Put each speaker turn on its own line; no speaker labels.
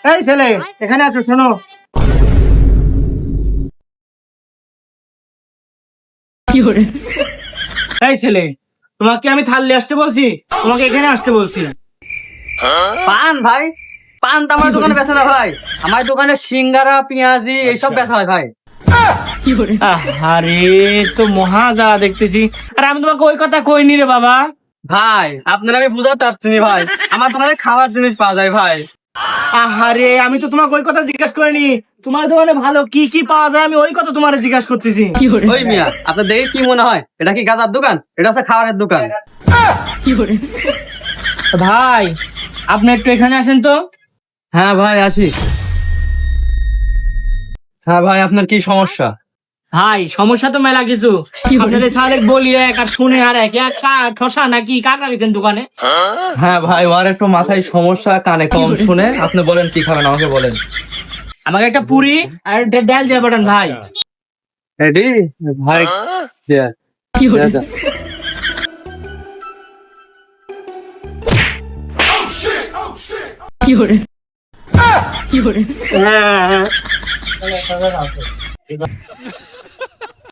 এই ছেলে এখানে আসো, শোনো। এই ছেলে, তোমাকে আমি থাল্লি আসতে বলছি, তোমাকে এখানে আসতে বলছি।
পান ভাই, পান তো আমার দোকানে বেচে না ভাই। আমার দোকানে সিঙ্গারা পেঁয়াজি এইসব বেচা হয় ভাই।
আরে তো মহা যা দেখতেছি। আর আমি তোমাকে ওই কথা কইনি রে বাবা।
ভাই আপনার আমি বুঝাতে পারছি না ভাই, আমার দোকানে খাওয়ার জিনিস পাওয়া যায় ভাই।
আহারে আমি তো তোমাকে ওই কথা জিজ্ঞাসা করিনি, তোমার দোকানে ভালো কি কি পাওয়া যায় আমি ওই কথা তোমার জিজ্ঞাসা করতেছি।
ওই মিয়া, আপনার দেখে কি মনে হয় এটা কি গাঁজার দোকান? এটা আপনার খাবারের দোকান।
ভাই আপনি একটু এখানে আসেন তো।
হ্যাঁ ভাই আসি। হ্যাঁ ভাই, আপনার কি সমস্যা?
ভাই সমস্যা তো মেলা কিছু। আপনাদের সালেক বলি এক আর শুনে আর এক, ঠসা নাকি কাক রাখছেন দোকানে?
হ্যাঁ ভাই, ওর একটু মাথায় সমস্যা, কানে কম শুনে। আপনি বলেন কি খাবেন, আমাকে বলেন।
আমাকে একটা পুরি আর একটা ডাল দিয়ে পাঠান ভাই।
রেডি ভাই?
হ্যাঁ